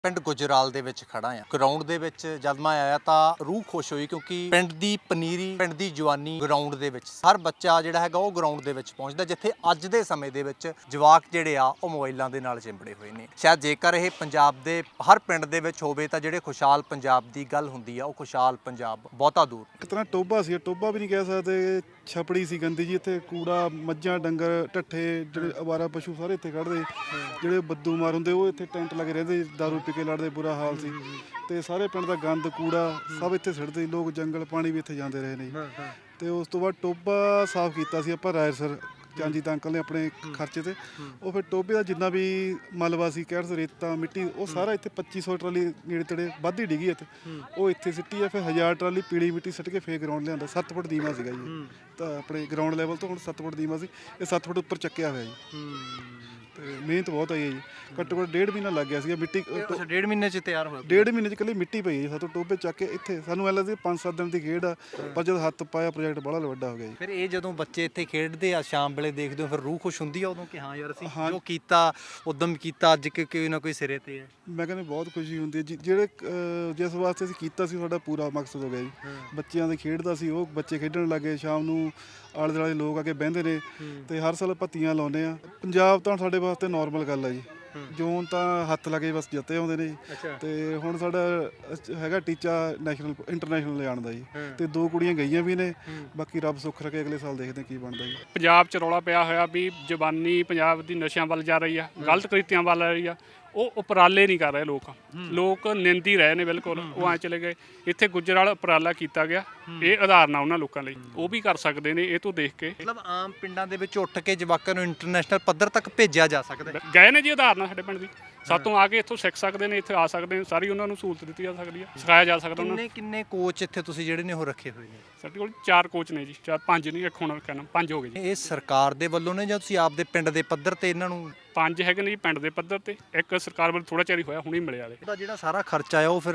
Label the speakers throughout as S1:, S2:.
S1: ਪਿੰਡ ਗੁਜਰਾਲ ਦੇ ਵਿੱਚ ਖੜਾ ਆ। ਗਰਾਊਂਡ ਦੇ ਵਿੱਚ ਜਦ ਮੈਂ ਆਇਆ ਤਾਂ ਰੂਹ ਖੁਸ਼ ਹੋਈ ਕਿਉਂਕਿ ਪਿੰਡ ਦੀ ਪਨੀਰੀ, ਪਿੰਡ ਦੀ ਜਵਾਨੀ ਗਰਾਊਂਡ ਦੇ ਵਿੱਚ। ਹਰ ਬੱਚਾ ਜਿਹੜਾ ਹੈਗਾ ਉਹ ਗਰਾਊਂਡ ਦੇ ਵਿੱਚ ਪਹੁੰਚਦਾ, ਜਿੱਥੇ ਅੱਜ ਦੇ ਸਮੇਂ ਦੇ ਵਿੱਚ ਜਵਾਕ ਜਿਹੜੇ ਆ ਉਹ ਮੋਬਾਈਲਾਂ ਦੇ ਨਾਲ ਚਿੰਬੜੇ ਹੋਏ ਨੇ। ਸ਼ਾਇਦ ਜੇਕਰ ਇਹ ਪੰਜਾਬ ਦੇ ਹਰ ਪਿੰਡ ਦੇ ਵਿੱਚ ਹੋਵੇ ਤਾਂ ਜਿਹੜੇ ਖੁਸ਼ਹਾਲ ਪੰਜਾਬ ਦੀ ਗੱਲ ਹੁੰਦੀ ਆ, ਉਹ ਖੁਸ਼ਹਾਲ ਪੰਜਾਬ ਬਹੁਤਾ ਦੂਰ।
S2: ਇੱਕ ਤਰ੍ਹਾਂ ਟੋਭਾ ਸੀ, ਟੋਭਾ ਵੀ ਨਹੀਂ ਕਹਿ ਸਕਦੇ, ਛਪੜੀ ਸੀ ਗੰਦੀ ਜੀ। ਇੱਥੇ ਕੂੜਾ, ਮੱਝਾਂ, ਡੰਗਰ, ਢੱਠੇ, ਜਿਹੜੇ ਅਵਾਰਾ ਪਸ਼ੂ ਸਾਰੇ ਇੱਥੇ ਕੱਢਦੇ, ਜਿਹੜੇ ਬੱਦੂ ਮਾਰ ਹੁੰਦੇ ਉਹ ਇੱਥੇ ਟੈਂਟ ਲੱਗੇ ਰਹਿੰਦੇ, ਦਾਰੂ ਪੀ ਕੇ ਲੜਦੇ, ਬੁਰਾ ਹਾਲ ਸੀ। ਤੇ ਸਾਰੇ ਪਿੰਡ ਦਾ ਗੰਦ, ਕੂੜਾ ਸਭ ਇੱਥੇ ਸਿੱਟਦੇ, ਲੋਕ ਜੰਗਲ ਪਾਣੀ ਵੀ ਇੱਥੇ ਜਾਂਦੇ ਰਹੇ ਨੇ। ਤੇ ਉਸ ਤੋਂ ਬਾਅਦ ਟੋਭਾ ਸਾਫ਼ ਕੀਤਾ ਸੀ ਆਪਾਂ ਰਾਇਸਰ ਚਾਂਜੀ ਤਾਂ ਅੰਕਲ ਨੇ ਆਪਣੇ ਖਰਚੇ ਤੇ। ਉਹ ਫਿਰ ਟੋਭੇ ਦਾ ਜਿੰਨਾ ਵੀ ਮਲਬਾ ਸੀ, ਕਹਿਰ ਰੇਤਾ, ਮਿੱਟੀ, ਉਹ ਸਾਰਾ ਇੱਥੇ 2500 ਟਰਾਲੀ ਨੇੜੇ ਤੇੜੇ ਵੱਧ ਡਿੱਗੀ ਇੱਥੇ, ਉਹ ਇੱਥੇ ਸਿੱਟੀ ਆ। ਫਿਰ 1000 ਟਰਾਲੀ ਪੀਲੀ ਮਿੱਟੀ ਸਿੱਟ ਕੇ ਫੇਰ ਗਰਾਊਂਡ ਲਿਆਂਦਾ। 7 ਫੁੱਟ ਦੀਵਾ ਸੀਗਾ ਜੀ, ਤਾਂ ਆਪਣੇ ਗਰਾਊਂਡ ਲੈਵਲ ਤੋਂ ਹੁਣ 7 ਫੁੱਟ ਦੀਵਾ ਸੀ, ਇਹ 7 ਫੁੱਟ ਉੱਪਰ ਚੱਕਿਆ ਹੋਇਆ ਜੀ। ਤੇ ਮਿਹਨਤ ਬਹੁਤ ਆਈ ਹੈ ਜੀ, ਘੱਟੋ ਘੱਟ 1.5 ਮਹੀਨਾ ਲੱਗ ਗਿਆ ਸੀਗਾ। ਮਿੱਟੀ
S1: 1.5 ਮਹੀਨੇ 'ਚ ਤਿਆਰ ਹੋਇਆ।
S2: 1.5 ਮਹੀਨੇ 'ਚ ਇਕੱਲੀ ਮਿੱਟੀ ਪਈ ਹੈ ਸਾਤੋਂ ਟੋਭੇ ਚੱਕ ਕੇ। ਇੱਥੇ ਸਾਨੂੰ ਐਂ ਲੱਗਦਾ 5-7 ਦਿਨ ਦੀ ਖੇਡ ਆ, ਪਰ ਜਦੋਂ ਹੱਥ ਪਾਇਆ ਪ੍ਰੋਜੈਕਟ ਬੜਾ ਵੱਡਾ ਹੋ ਗਿਆ ਜੀ।
S1: ਫਿਰ ਇਹ ਜਦੋਂ ਬੱਚੇ ਇੱਥੇ ਖੇਡਦੇ ਆ, ਸ਼ਾਮ ਵੇਲੇ ਦੇਖਦੇ ਹੋ, ਫਿਰ ਰੂਹ ਖੁਸ਼ ਹੁੰਦੀ ਆ ਉਦੋਂ ਕਿ ਹਾਂ ਯਾਰ ਅਸੀਂ ਜੋ ਕੀਤਾ ਉਦਮ ਕੀਤਾ, ਅੱਜ ਕੋਈ ਨਾ ਕੋਈ ਸਿਰੇ ਤੇ ਹੈ।
S2: ਮੈਂ ਕਹਿੰਦਾ ਬਹੁਤ ਖੁਸ਼ੀ ਹੁੰਦੀ ਹੈ ਜੀ, ਜਿਹੜੇ ਜਿਸ ਵਾਸਤੇ ਅਸੀਂ ਕੀਤਾ ਸੀ ਸਾਡਾ ਪੂਰਾ ਮਕਸਦ ਹੋ ਗਿਆ ਜੀ। ਬੱਚਿਆਂ ਦੇ ਖੇਡਦਾ ਸੀ, ਉਹ ਬੱਚੇ ਖੇਡਣ ਲੱਗੇ, ਸ਼ਾਮ ਨੂੰ ਆਲੇ ਦੁਆਲੇ ਲੋਕ ਆ ਕੇ ਬਹਿੰਦੇ ਨੇ, ਤੇ ਹਰ ਸਾਲ ਪੱਤੀਆਂ ਲਾਉਂਦੇ ਆ। ਪੰਜਾਬ ਤਾਂ ਸਾਡੇ ਵਾਸਤੇ ਨੋਰਮਲ ਗੱਲ ਆ ਜੀ। ਜੋਨ ਤਾਂ ਹੱਥ ਲੱਗੇ ਬਸ ਜਿੱਤੇ ਆਉਂਦੇ ਨੇ ਜੀ। ਤੇ ਹੁਣ ਸਾਡਾ ਹੈਗਾ ਟੀਚਾ ਨੈਸ਼ਨਲ ਇੰਟਰਨੈਸ਼ਨਲ ਲਿਜਾਣ ਦਾ ਜੀ, ਤੇ 2 ਕੁੜੀਆਂ ਗਈਆਂ ਵੀ ਨੇ। ਬਾਕੀ ਰੱਬ ਸੁੱਖ ਰੱਖੇ, ਅਗਲੇ ਸਾਲ ਦੇਖਦੇ ਕੀ ਬਣਦਾ ਜੀ।
S3: ਪੰਜਾਬ 'ਚ ਰੌਲਾ ਪਿਆ ਹੋਇਆ ਵੀ ਜਵਾਨੀ ਪੰਜਾਬ ਦੀ ਨਸ਼ਿਆਂ ਵੱਲ ਜਾ ਰਹੀ ਆ, ਗਲਤ ਕ੍ਰਿਤੀਆਂ ਵੱਲ ਆ ਰਹੀ ਆ। ਉਹ ਉਪਰਾਲੇ ਨਹੀਂ ਕਰ ਰਹੇ ਲੋਕ ਨਿੰਦੀ ਰਹੇ ਨੇ ਬਿਲਕੁਲ। ਉਹ ਐਂ ਚਲੇ ਗਏ। ਇੱਥੇ ਗੁਜਰਾਲ ਉਪਰਾਲਾ ਕੀਤਾ ਗਿਆ, ਇਹ ਉਦਾਹਰਨ ਆ ਉਹਨਾਂ ਲੋਕਾਂ ਲਈ, ਉਹ ਵੀ ਕਰ ਸਕਦੇ ਨੇ ਇਹ ਤੋਂ ਦੇਖ ਕੇ।
S1: ਮਤਲਬ ਆਮ ਪਿੰਡਾਂ ਦੇ ਵਿੱਚ ਉੱਠ ਕੇ ਜਵਾਕਾਂ ਨੂੰ ਇੰਟਰਨੈਸ਼ਨਲ ਪੱਧਰ ਤੱਕ ਭੇਜਿਆ ਜਾ ਸਕਦਾ।
S3: ਗਏ ਨੇ ਜੀ ਉਦਾਹਰਨ ਸਾਡੇ ਪਿੰਡ ਦੀ, ਸਾਤੋਂ ਆ ਕੇ ਇੱਥੋਂ ਸਿੱਖ ਸਕਦੇ ਨੇ, ਇੱਥੇ ਆ ਸਕਦੇ ਨੇ, ਸਾਰੀ ਉਹਨਾਂ ਨੂੰ ਸਹੂਲਤ ਦਿੱਤੀ ਜਾ ਸਕਦੀ ਹੈ, ਸਿਖਾਇਆ ਜਾ ਸਕਦਾ ਉਹਨਾਂ ਨੂੰ।
S1: ਕਿੰਨੇ ਕੋਚ ਇੱਥੇ ਤੁਸੀਂ ਜਿਹੜੇ ਨੇ ਉਹ ਰੱਖੇ ਹੋਏ ਨੇ?
S3: ਸਾਡੇ ਕੋਲ 4 ਕੋਚ ਨੇ ਜੀ, 5 ਨਹੀਂ, ਇੱਕ ਹੁਣ ਕਹਿਣਾ 5 ਹੋ ਗਏ ਜੀ।
S1: ਇਹ ਸਰਕਾਰ ਦੇ ਵੱਲੋਂ ਨੇ ਜਾਂ ਤੁਸੀਂ ਆਪਦੇ ਪਿੰਡ ਦੇ ਪੱਧਰ ਤੇ ਇਹਨਾਂ ਨੂੰ?
S3: 5 ਹੈਗੇ ਨੇ ਜੀ ਪਿੰਡ ਦੇ ਪੱਧਰ ਤੇ, ਇੱਕ ਸਰਕਾਰ ਵੱਲੋਂ ਥੋੜਾ ਚਿਰ ਹੀ ਹੋਇਆ, ਹੁਣੇ ਮਿਲਿਆ ਵਾਲੇ।
S1: ਉਹਦਾ ਜਿਹੜਾ ਸਾਰਾ ਖਰਚਾ ਆ ਉਹ ਫਿਰ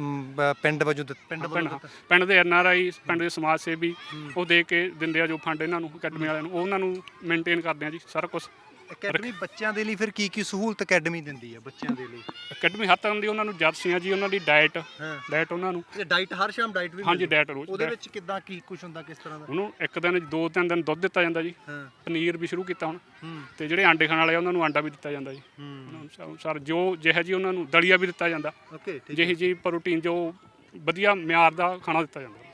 S1: ਪਿੰਡ ਵਜੋਂ
S3: ਪਿੰਡ ਦੇ NRI, ਪਿੰਡ ਦੇ ਸਮਾਜ ਸੇਵੀ ਉਹ ਦੇ ਕੇ ਦਿੰਦੇ ਆ ਜੋ ਫੰਡ ਇਹਨਾਂ ਨੂੰ, ਅਕੈਡਮੀ ਵਾਲਿਆਂ ਨੂੰ, ਉਹਨਾਂ ਨੂੰ ਮੇਨਟੇਨ ਕਰਦੇ ਆ ਜੀ ਸਾਰਾ ਕੁਝ।
S1: ਅਕੈਡਮੀ ਬੱਚਿਆਂ ਦੇ ਲਈ ਫਿਰ ਕੀ ਸਹੂਲਤ ਅਕੈਡਮੀ ਦਿੰਦੀ ਹੈ ਬੱਚਿਆਂ ਦੇ ਲਈ?
S3: ਅਕੈਡਮੀ ਹਰ ਤਰ੍ਹਾਂ ਦੀ ਉਹਨਾਂ ਨੂੰ ਜਰਸੀਆਂ ਜੀ, ਉਹਨਾਂ ਦੀ ਡਾਈਟ ਉਹਨਾਂ ਨੂੰ।
S1: ਇਹ ਡਾਈਟ ਹਰ ਸ਼ਾਮ ਡਾਈਟ ਵੀ?
S3: ਹਾਂਜੀ, ਡਾਈਟ ਰੋਜ਼।
S1: ਉਹਦੇ ਵਿੱਚ ਕਿੱਦਾਂ ਕੀ ਕੁਝ ਹੁੰਦਾ, ਕਿਸ ਤਰ੍ਹਾਂ ਦਾ?
S3: ਉਹਨੂੰ 1 ਦਿਨ 2-3 ਦਿਨ ਦੁੱਧ ਦਿੱਤਾ ਜਾਂਦਾ ਜੀ, ਪਨੀਰ ਵੀ ਸ਼ੁਰੂ ਕੀਤਾ ਹੁਣ, ਤੇ ਜਿਹੜੇ ਆਂਡੇ ਖਾਣ ਵਾਲੇ ਉਹਨਾਂ ਨੂੰ ਆਂਡਾ ਵੀ ਦਿੱਤਾ ਜਾਂਦਾ ਜੀ। ਸਰ ਜੋ ਜਿਹੋ ਜੀ ਉਹਨਾਂ ਨੂੰ ਦਲੀਆ ਵੀ ਦਿੱਤਾ ਜਾਂਦਾ, ਜਿਹੀ ਜੀ ਪ੍ਰੋਟੀਨ ਜੋ ਵਧੀਆ ਮਿਆਰ ਦਾ ਖਾਣਾ ਦਿੱਤਾ ਜਾਂਦਾ।